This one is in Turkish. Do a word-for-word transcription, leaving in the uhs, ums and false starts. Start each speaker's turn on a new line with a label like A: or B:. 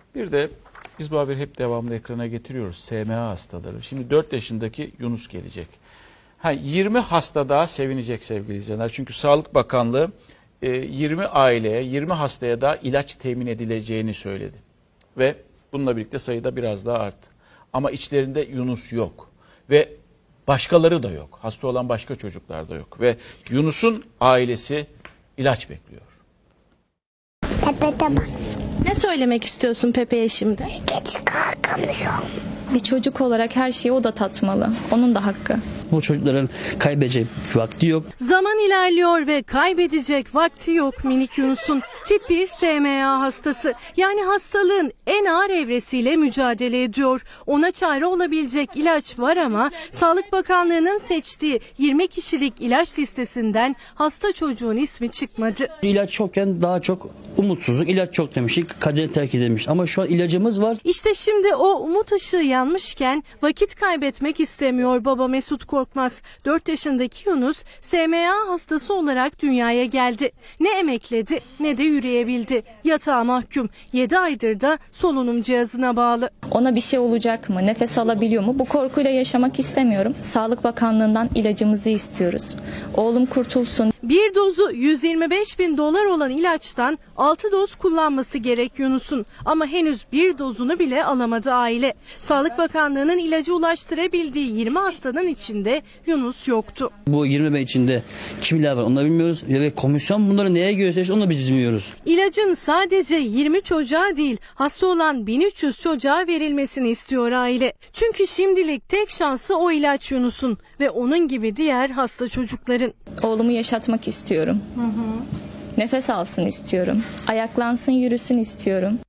A: Bir de biz bu haberi hep devamlı ekrana getiriyoruz. S M A hastaları. Şimdi dört yaşındaki Yunus gelecek. Ha, yirmi hasta daha sevinecek sevgili izleyenler. Çünkü Sağlık Bakanlığı yirmi aileye, yirmi hastaya da ilaç temin edileceğini söyledi. Ve bununla birlikte sayıda biraz daha arttı. Ama içlerinde Yunus yok. Ve başkaları da yok. Hasta olan başka çocuklar da yok. Ve Yunus'un ailesi ilaç bekliyor.
B: Tepede bak.
C: Ne söylemek istiyorsun Pepe'ye şimdi?
B: Geç kalkamıyorum.
D: Bir çocuk olarak her şeyi o da tatmalı. Onun da hakkı.
E: Bu çocukların kaybedecek vakti yok.
F: Zaman ilerliyor ve kaybedecek vakti yok minik Yunus'un. Tip bir S M A hastası. Yani hastalığın en ağır evresiyle mücadele ediyor. Ona çare olabilecek ilaç var ama Sağlık Bakanlığı'nın seçtiği yirmi kişilik ilaç listesinden hasta çocuğun ismi çıkmadı.
E: İlaç yokken daha çok umutsuzluk, ilaç çok demiştik, kaderi terk edilmiş. Ama şu an ilacımız var.
F: İşte şimdi o umut ışığı yanmışken vakit kaybetmek istemiyor baba Mesut Korkmaz. dört yaşındaki Yunus S M A hastası olarak dünyaya geldi. Ne emekledi ne de yürüyebildi. Yatağa mahkum. yedi aydır da solunum cihazına bağlı.
D: Ona bir şey olacak mı? Nefes alabiliyor mu? Bu korkuyla yaşamak istemiyorum. Sağlık Bakanlığı'ndan ilacımızı istiyoruz. Oğlum kurtulsun.
F: Bir dozu yüz yirmi beş bin dolar olan ilaçtan altı doz kullanması gerek Yunus'un. Ama henüz bir dozunu bile alamadı aile. Sağlık Bakanlığı'nın ilacı ulaştırabildiği yirmi hastanın içinde Yunus yoktu.
E: Bu yirmi bin içinde kimler var onu da bilmiyoruz. Ve komisyon bunları neye göre seçti onu da biz bilmiyoruz.
F: İlacın sadece yirmi çocuğa değil hasta olan bin üç yüz çocuğa verilmesini istiyor aile. Çünkü şimdilik tek şansı o ilaç Yunus'un ve onun gibi diğer hasta çocukların.
D: Oğlumu yaşatmak istiyorum. Hı hı. Nefes alsın istiyorum. Ayaklansın, yürüsün istiyorum.